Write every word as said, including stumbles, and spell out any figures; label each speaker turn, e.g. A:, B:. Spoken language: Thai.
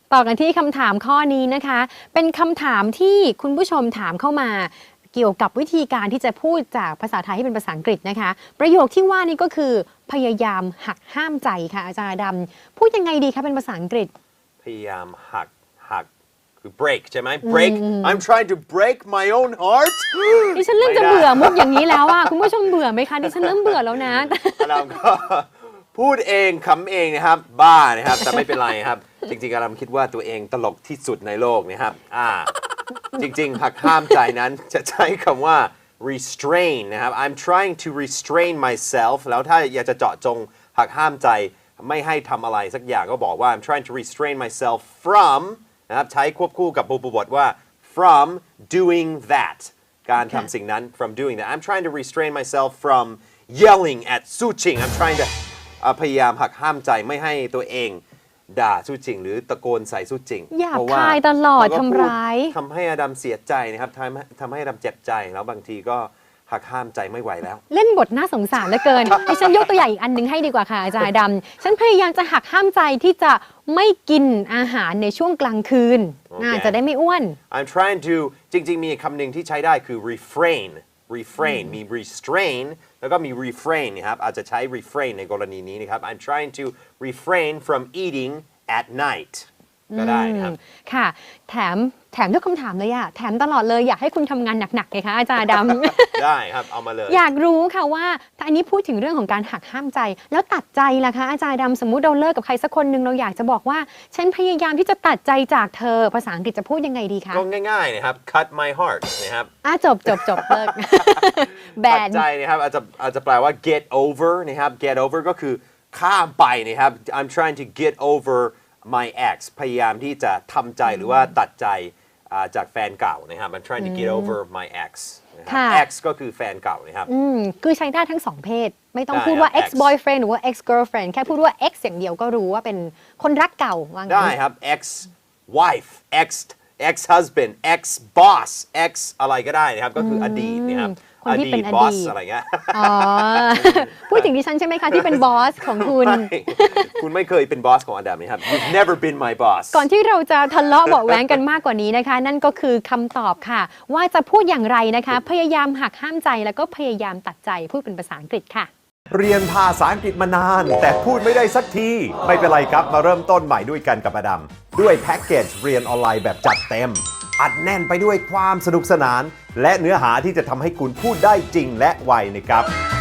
A: ต่อกันที่คำถามข้อนี้นะคะ เป็นคำถามที่คุณผู้ชมถามเข้ามาเกี่ยวกับวิธีการที่จะพูดจากภาษาไทยให้เป็นภาษาอังกฤษนะคะ ประโยคที่ว่านี้ก็คือพยายามหักห้ามใจค่ะอาจารย์ดำพูดยังไงดีคะเป็นภาษาอังกฤษ
B: พยายามหักหักคือ break ใช่ไหม break I'm trying to break my own heart
A: ดิฉันเริ่มจะเบื่อมุกอย่างนี้แล้วอ่ะคุณผู้ชมเบื่อไหมคะดิฉันเริ่มเบื่อแล้วนะ
B: อดัมก็พูดเองคำเองนะครับบ้านะครับแต่ไม่เป็นไรครับจริงๆอดัมคิดว่าตัวเองตลกที่สุดในโลกนะครับอ่าจริงๆหักห้ามใจนั้นจะใช้คำว่า restrain นะครับ I'm trying to restrain myself แล้วถ้าอยากจะเจาะจงหักห้ามใจไม่ให้ทำอะไรสักอย่างก็บอกว่า I'm trying to restrain myself from นะครับใช้ควบคู่กับบุพบทว่า from doing that การทำสิ่งนั้น from doing that I'm trying to restrain myself from yelling at Su Qing I'm trying to พยายามหักห้ามใจไม่ให้ตัวเองด่าสู้จริงหรือตะโกนใส่สู้จริง
A: หยาบคายตลอดทำร้าย
B: ทำให้อดัมเสียใจนะครับทำทำให้อดัมเจ็บใจแล้วบางทีก็หักห้ามใจไม่ไหวแล้ว
A: เล่นบทน่าสงสารเหลือเกิน ให้ฉันยกตัวอย่างอีกอันนึงให้ดีกว่าค่ะอาจารย์ดำฉันพยายามจะหักห้ามใจที่จะไม่กินอาหารในช่วงกลางคืน okay. จะได้ไม่อ้วน
B: I'm trying to จริงๆมีคำหนึ่งที่ใช้ได้คือ refrain refrain มี restrain แล้วก็มี refrain นะครับอาจจะใช้ refrain ในกรณีนี้นะครับ I'm trying to refrain from eating at night ก็ได้นะครับ
A: ค่ะแถมแถมทุกคำถามเลยอะแถมตลอดเลยอยากให้คุณทำงานหนักๆไงคะอาจารย์ด
B: ำ ได้ครับเอามาเลย
A: อยากรู้ค่ะว่าถ้าอันนี้พูดถึงเรื่องของการหักห้ามใจแล้วตัดใจล่ะคะอาจารย์ดำสมมุติเราเลิกกับใครสักคนหนึ่งเราอยากจะบอกว่าฉันพยายามที่จะตัดใจจากเธอภาษาอังกฤษจะพูดยังไงดีคะ
B: ก็ง่ายๆนะครับ cut my heart นะครับ
A: อ่ะจบจบจบเลิกแบน
B: ตัดใจนะครับอาจจะอาจจะแปลว่า get over นะครับ get over ก็คือข้ามไปนะครับ I'm trying to get over my ex พยายามที่จะทำใจหรือว่าตัดใจจากแฟนเก่านะครับ I'm trying to get over my ex นะครับ ex ก็คือแฟนเก่านะครับ
A: อืมคือใช้ได้ทั้งสองเพศไม่ต้องพูดว่า ex boyfriend หรือว่า ex girlfriend แค่พูดว่า ex อย่างเดียวก็รู้ว่าเป็นคนรักเก่าว่างั้น
B: ได้ครับ ex wife ex ex husband ex boss ex อะไรก็ได้นะครับก็คืออดีตนะครับ
A: คนที่เป็นอดีต
B: อะไรเงี้ย
A: อ๋อพูดถึงดิฉันใช่ไหมคะที่เป็นบอสของคุณ
B: คุณไม่เคยเป็นบอสของอดัมนะครับ You've never been my boss
A: ก่อนที่เราจะทะเลาะเบาะแว้งกันมากกว่านี้นะคะนั่นก็คือคำตอบค่ะว่าจะพูดอย่างไรนะคะพยายามหักห้ามใจแล้วก็พยายามตัดใจพูดเป็นภาษาอังกฤษค่ะ
C: เรียนภาษาอังกฤษมานานแต่พูดไม่ได้สักทีไม่เป็นไรครับมาเริ่มต้นใหม่ด้วยกันกับอดัมด้วยแพ็กเกจเรียนออนไลน์แบบจัดเต็มอัดแน่นไปด้วยความสนุกสนานและเนื้อหาที่จะทำให้คุณพูดได้จริงและไวนะครับ